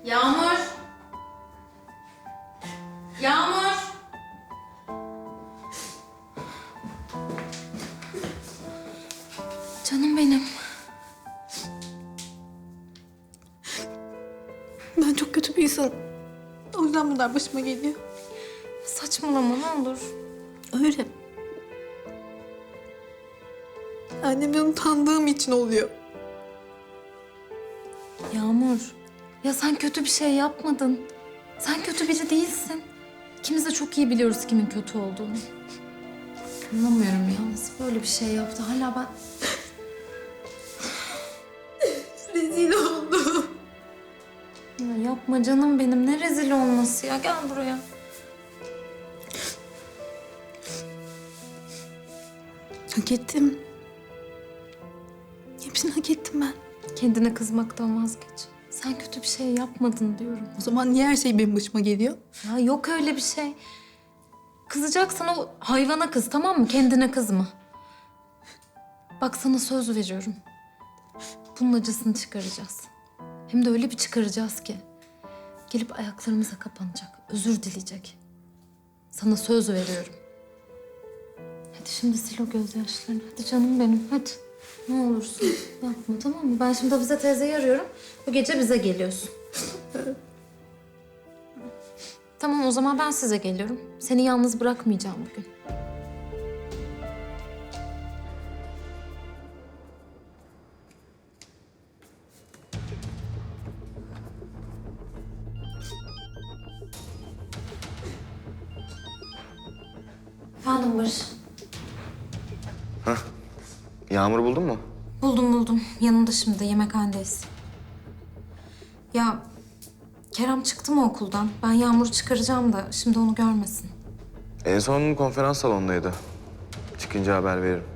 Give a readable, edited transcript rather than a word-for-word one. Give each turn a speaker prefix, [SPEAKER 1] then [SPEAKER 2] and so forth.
[SPEAKER 1] Yağmur! Yağmur! Canım benim.
[SPEAKER 2] Ben çok kötü bir insanım. O yüzden bunlar başıma geliyor.
[SPEAKER 1] Saçmalama ne olur.
[SPEAKER 2] Öyle. Annemden utandığım için oluyor.
[SPEAKER 1] Yağmur, ya sen kötü bir şey yapmadın. Sen kötü biri değilsin. İkimiz de çok iyi biliyoruz kimin kötü olduğunu. Anlamıyorum ya, nasıl böyle bir şey yaptı? Hala ben...
[SPEAKER 2] Rezil oldum.
[SPEAKER 1] Ya yapma canım benim, ne rezil olması ya. Gel buraya.
[SPEAKER 2] Hak ettim. Hepsini hak ettim ben.
[SPEAKER 1] Kendine kızmaktan vazgeç. Sen kötü bir şey yapmadın diyorum.
[SPEAKER 2] O zaman niye her şey benim başıma geliyor?
[SPEAKER 1] Ya yok öyle bir şey. Kızacaksan o hayvana kız, tamam mı? Kendine kızma. Bak sana söz veriyorum. Bunun acısını çıkaracağız. Hem de öyle bir çıkaracağız ki. Gelip ayaklarımıza kapanacak, özür dileyecek. Sana söz veriyorum. Hadi şimdi sil o gözyaşlarını. Hadi canım benim, hadi. Ne olursun yapma, tamam mı? Ben şimdi Hafize teyzeyi arıyorum. Bu gece bize geliyorsun. Tamam, o zaman ben size geliyorum. Seni yalnız bırakmayacağım bugün. Efendim Barış.
[SPEAKER 3] Yağmur'u buldun mu?
[SPEAKER 1] Buldum. Yanında şimdi, yemekhanedeyiz. Ya Kerem çıktı mı okuldan? Ben Yağmur'u çıkaracağım da şimdi onu görmesin.
[SPEAKER 3] En son konferans salonundaydı. Çıkınca haber veririm.